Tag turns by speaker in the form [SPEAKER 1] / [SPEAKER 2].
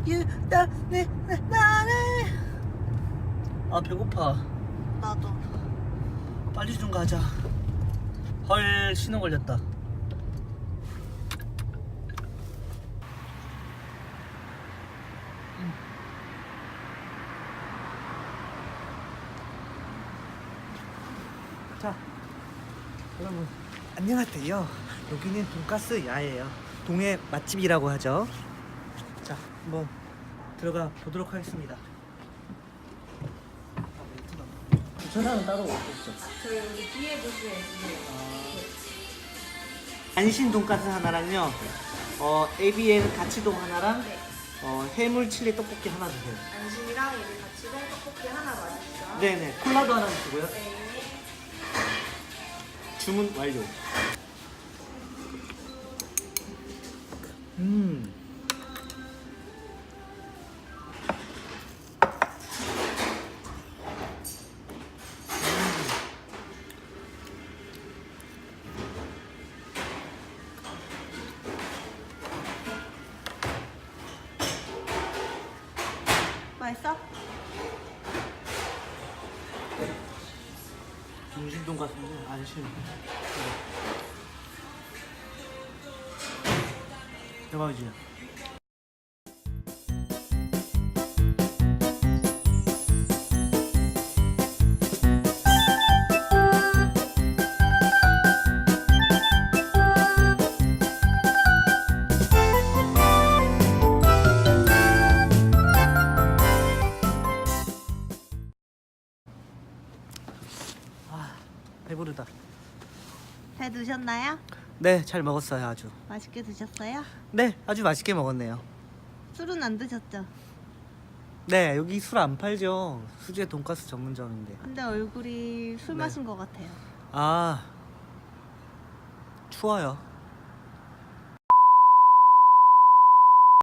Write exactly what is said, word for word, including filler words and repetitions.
[SPEAKER 1] 유다네 나네. 아 배고파.
[SPEAKER 2] 나도.
[SPEAKER 1] 빨리 좀 가자. 헐 신호 걸렸다. 자, 여러분 안녕하세요. 여기는 돈가스 야예요. 동해 맛집이라고 하죠. 자, 한번 들어가 보도록 하겠습니다. 주차장은 따로 없죠.
[SPEAKER 2] 저희 여기 뒤에 부스에 있어요.
[SPEAKER 1] 안신 돈가스 하나랑요. 어 에이비엔 가치동 하나랑
[SPEAKER 2] 네.
[SPEAKER 1] 어 해물 칠리 떡볶이 하나 주세요.
[SPEAKER 2] 안심이랑 여기 같이 동 떡볶이 하나 맞으시죠?
[SPEAKER 1] 네네 콜라도 하나 주고요.
[SPEAKER 2] 네.
[SPEAKER 1] 주문 완료. 음.
[SPEAKER 2] 맛있어?
[SPEAKER 1] 중심 돈가스인데 안심. 대박이지. 아 배부르다.
[SPEAKER 2] 잘 드셨나요?
[SPEAKER 1] 네, 잘 먹었어요. 아주.
[SPEAKER 2] 맛있게 드셨어요?
[SPEAKER 1] 네, 아주 맛있게 먹었네요.
[SPEAKER 2] 술은 안 드셨죠?
[SPEAKER 1] 네, 여기 술 안 팔죠. 수제 돈가스 전문점인데.
[SPEAKER 2] 근데 얼굴이 술
[SPEAKER 1] 네.
[SPEAKER 2] 마신 것 같아요.
[SPEAKER 1] 아, 추워요.